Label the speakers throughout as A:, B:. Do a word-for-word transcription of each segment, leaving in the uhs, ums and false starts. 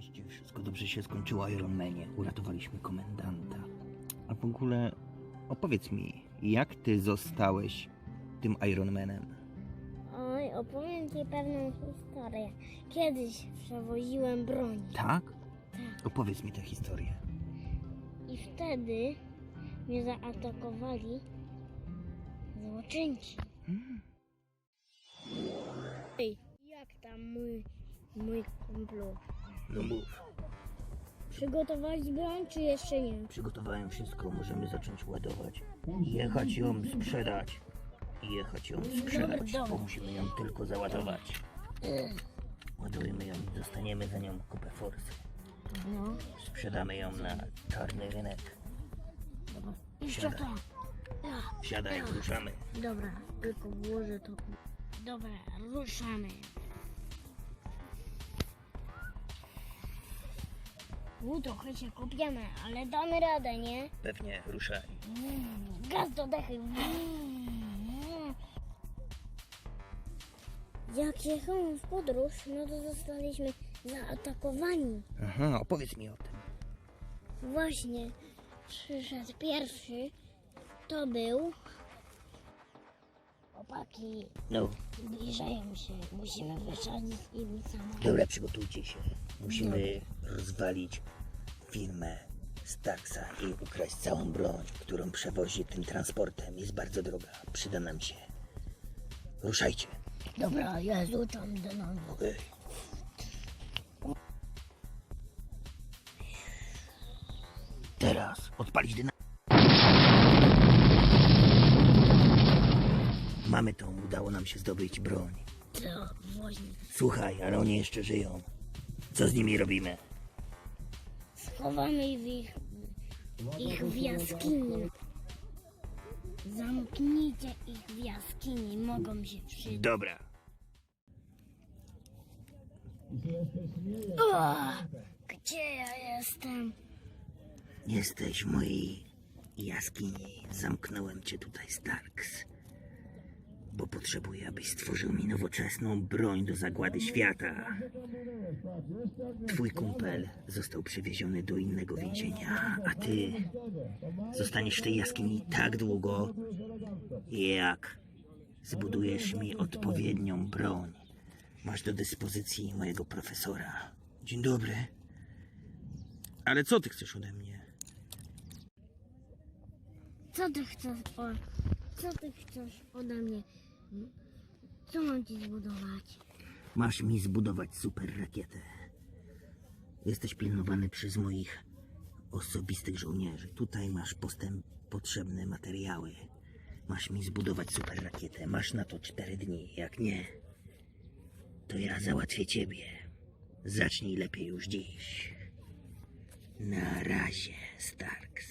A: Oczywiście wszystko dobrze się skończyło, Iron Manie. Uratowaliśmy komendanta. A w ogóle opowiedz mi, jak ty zostałeś tym Iron Manem?
B: Oj, opowiem ci pewną historię. Kiedyś przewoziłem broń.
A: Tak?
B: Tak.
A: Opowiedz mi tę historię.
B: I wtedy mnie zaatakowali złoczyńcy.
A: Hmm.
B: Ej, jak tam mój, mój kumplu?
A: No mów.
B: Przygotowali broń, czy jeszcze nie?
A: Przygotowałem wszystko, możemy zacząć ładować. Jechać ją sprzedać. Jechać ją sprzedać,
B: dobra.
A: bo musimy ją tylko załadować. Ładujemy ją i dostaniemy za nią kupę forsy.
B: No.
A: Sprzedamy ją na czarny rynek.
B: Jeszcze
A: Siadaj.
B: to. Ja.
A: Wsiadaj, ruszamy.
B: Dobra, tylko włożę to. Dobra, ruszamy. U, trochę się kopiemy, ale damy radę, nie?
A: Pewnie, ruszaj.
B: Mm, Gaz do dechy. Mm. Jak jechałem w podróż, no to zostaliśmy zaatakowani.
A: Aha, opowiedz mi o tym.
B: Właśnie przyszedł pierwszy. To był... Chłopaki,
A: No,
B: zbliżają się. Musimy wysadzić im samochód.
A: dobra, przygotujcie się. Musimy rozwalić firmę Starksa i ukraść całą broń, którą przewozi tym transportem. Jest bardzo droga, przyda nam się. Ruszajcie.
B: Dobra, ja zrzucam do nogi.
A: Okej. Teraz odpalić dynamit. Mamy to, udało nam się zdobyć broń.
B: To właśnie.
A: Słuchaj, ale oni jeszcze żyją. Co z nimi robimy?
B: Schowamy ich, ich w jaskini. Zamknijcie ich w jaskini, mogą się przydać.
A: Dobra.
B: O, gdzie ja jestem?
A: Jesteś w mojej jaskini. Zamknąłem cię tutaj, Starks. Bo potrzebuję, abyś stworzył mi nowoczesną broń do zagłady świata. Twój kumpel został przewieziony do innego więzienia, a ty zostaniesz w tej jaskini tak długo, jak zbudujesz mi odpowiednią broń. Masz do dyspozycji mojego profesora. Dzień dobry. Ale co ty chcesz ode mnie?
B: Co ty chcesz o, co ty chcesz ode mnie? Co mam ci zbudować?
A: Masz mi zbudować super rakietę. Jesteś pilnowany przez moich osobistych żołnierzy. Tutaj masz postęp potrzebne materiały. Masz mi zbudować super rakietę. Masz na to cztery dni. Jak nie, to ja załatwię ciebie. Zacznij lepiej już dziś. Na razie, Starks.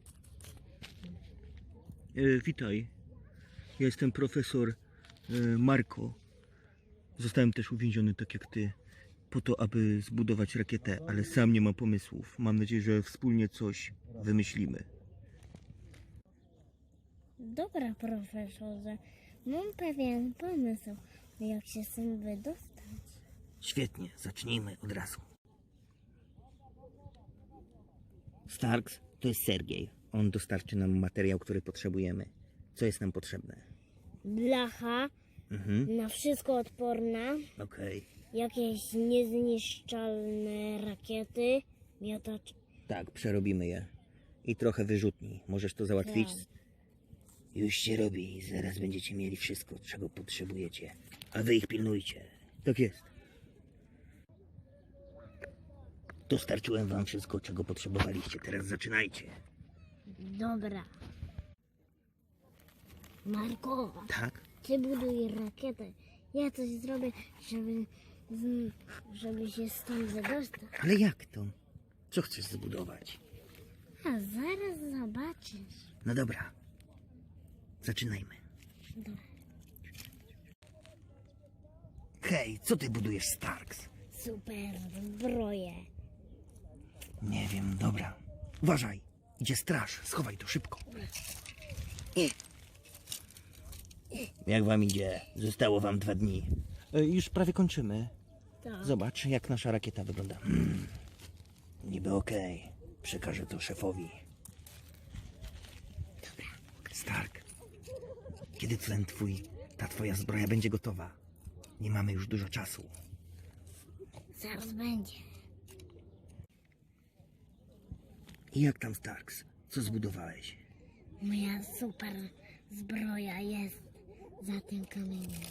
A: E, witaj. Ja jestem profesor e, Marko. Zostałem też uwięziony tak jak ty, po to, aby zbudować rakietę, ale sam nie mam pomysłów. Mam nadzieję, że wspólnie coś wymyślimy.
B: Dobra, profesorze, mam pewien pomysł, jak się z tym wydostać.
A: Świetnie, zacznijmy od razu. Starks, to jest Sergiej. On dostarczy nam materiał, który potrzebujemy. Co jest nam potrzebne?
B: Blacha,
A: Mhm,
B: na wszystko odporna,
A: okej.
B: jakieś niezniszczalne rakiety, miotacz.
A: Tak, przerobimy je. I trochę wyrzutni. Możesz to załatwić?
B: Tak.
A: Już się robi. Zaraz będziecie mieli wszystko, czego potrzebujecie. A wy ich pilnujcie. Tak jest. Dostarczyłem wam wszystko, czego potrzebowaliście. Teraz zaczynajcie.
B: Dobra. Marko,
A: Tak?
B: ty buduj rakietę. Ja coś zrobię, żeby, z, żeby się stąd wydostać.
A: Ale jak to? Co chcesz zbudować?
B: A zaraz zobaczysz.
A: No dobra. Zaczynajmy.
B: Dobra.
A: Hej, co ty budujesz, Starks?
B: Super zbroję.
A: Nie wiem, dobra. Uważaj. Idzie straż. Schowaj to szybko. I. Jak wam idzie? Zostało wam dwa dni. Już prawie kończymy.
B: Tak.
A: Zobacz, jak nasza rakieta wygląda. Hmm. Niby okej. Przekażę to szefowi. Stark, kiedy ten twój, ta twoja zbroja będzie gotowa? Nie mamy już dużo czasu.
B: Zaraz będzie.
A: I jak tam, Starks? Co zbudowałeś?
B: Moja super zbroja jest za tym kamieniem.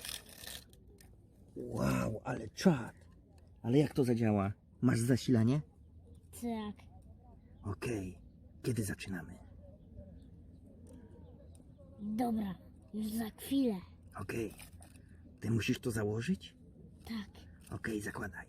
A: Wow, ale czad. Ale jak to zadziała? Masz zasilanie?
B: Tak.
A: Okej. Kiedy zaczynamy?
B: Dobra, już za chwilę.
A: Okej. Ty musisz to założyć?
B: Tak.
A: Okej, zakładaj.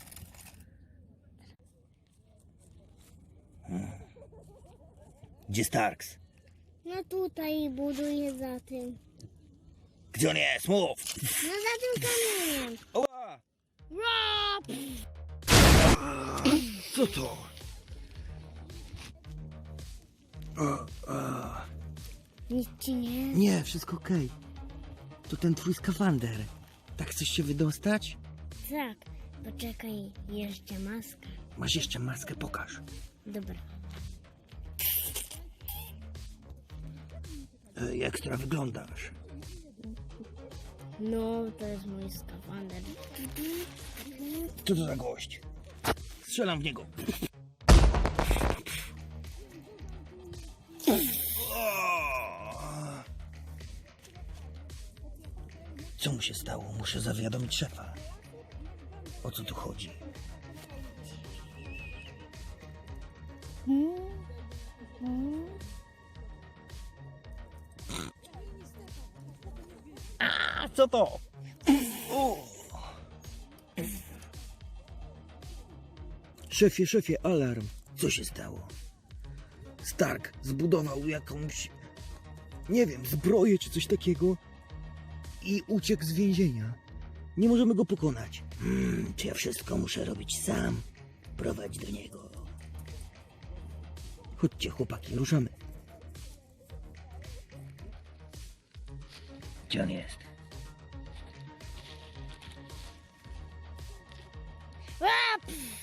A: Hmm. Gdzie Starks?
B: No tutaj buduję za tym.
A: Gdzie on jest? Mów!
B: No za tym kamieniem.
A: Oła!
B: Rap!
A: Co to? O, o.
B: Nic ci nie?
A: Nie, wszystko okej. To ten twój skafander. Tak chcesz się wydostać?
B: Tak. Poczekaj, jeszcze maska.
A: Masz jeszcze maskę, pokaż.
B: Dobra.
A: Ej, ekstra wyglądasz.
B: No, to jest mój skafander.
A: Co to za gość? Strzelam w niego. Co mu się stało? Muszę zawiadomić szefa. O co tu chodzi?
B: Hmm? Hmm?
A: A co to? O! Szefie, szefie, alarm. Co się stało? Stark zbudował jakąś, nie wiem, zbroję czy coś takiego i uciekł z więzienia. Nie możemy go pokonać. Hmm, czy ja wszystko muszę robić sam? Prowadź do niego. Chodźcie, chłopaki, ruszamy. Gdzie on jest?
B: Rap!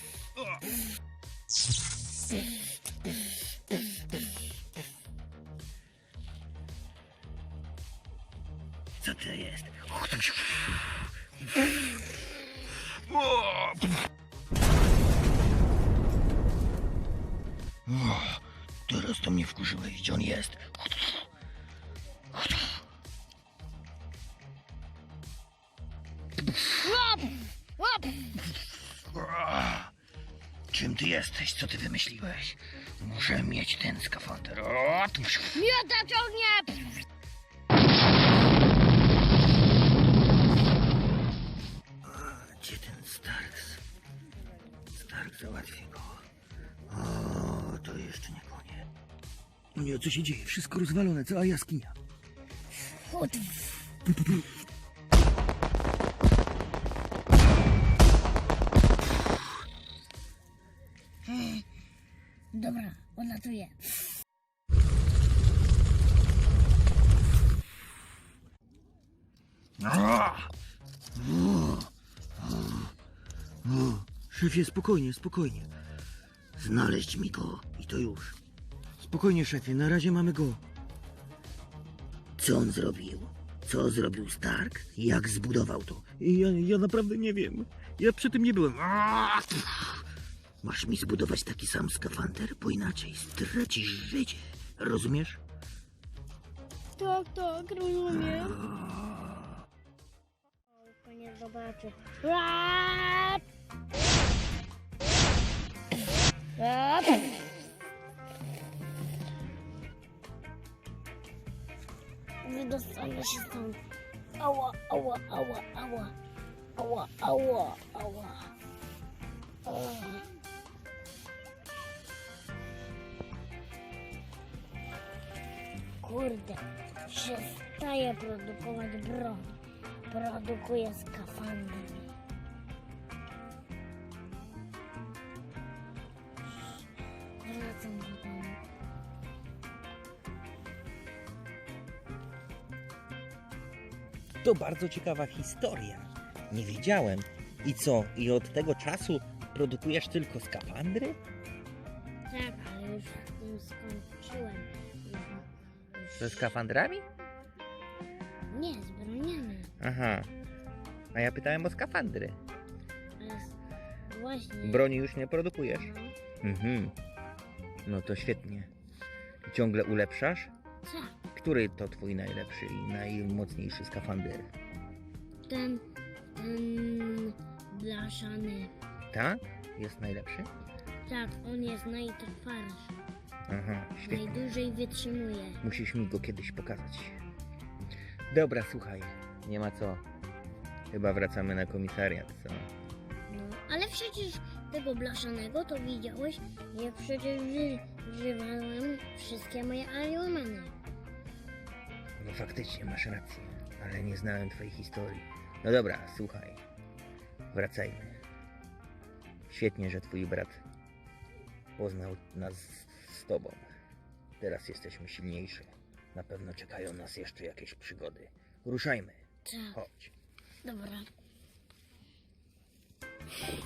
A: Co to jest? O, teraz to mnie wkurzyłeś. Gdzie on jest?
B: Rap! Rap!
A: Czym ty jesteś? Co ty wymyśliłeś? Muszę mieć ten skafander. O, tu...
B: Miotacz ognia!
A: Gdzie ten Starks? Stark załatwi go. O, to jeszcze nie koniec. No nie, co się dzieje? Wszystko rozwalone, cała jaskinia.
B: Chód. Dobra, odlatuję.
A: O, szefie, spokojnie, spokojnie. Znaleźć mi go i to już. Spokojnie, szefie, na razie mamy go. Co on zrobił? Co zrobił Stark? Jak zbudował to? Ja, ja naprawdę nie wiem. Ja przy tym nie byłem. Masz mi zbudować taki sam skafander, bo inaczej stracisz życie. Rozumiesz?
B: Tak, tak, rozumiem. Tylko nie zobaczy. Rap! Rap! Wydostanę się stąd. Ała, ała, ała, ała. Ała, ała, ała. Ała. Kurde, przestaję produkować broń. Produkuję skafander. Wracam do domu.
A: To bardzo ciekawa historia. Nie wiedziałem, I co? I od tego czasu produkujesz tylko skafandry?
B: Tak, ale już z tym skończyłem. Już, już...
A: Ze skafandrami?
B: Nie, z broniami.
A: Aha. A ja pytałem o skafandry.
B: Ale s- właśnie.
A: Broni już nie produkujesz?
B: No,
A: Mhm. No to świetnie. Ciągle ulepszasz?
B: tak.
A: Który to twój najlepszy i najmocniejszy skafander?
B: Ten, ten blaszany.
A: Tak? Jest najlepszy?
B: Tak, on jest najtrwalszy.
A: Aha, świetnie.
B: Najdłużej wytrzymuje.
A: Musisz mi go kiedyś pokazać. Dobra, słuchaj. Nie ma co. Chyba wracamy na komisariat, co?
B: No, ale przecież tego blaszanego to widziałeś, jak przecież ży- żywałem wszystkie moje aliomany.
A: No faktycznie masz rację, ale nie znałem twojej historii. No dobra, słuchaj. Wracajmy. Świetnie, że twój brat poznał nas z tobą. Teraz jesteśmy silniejsi. Na pewno czekają nas jeszcze jakieś przygody. Ruszajmy.
B: Tak,
A: Chodź.
B: dobra.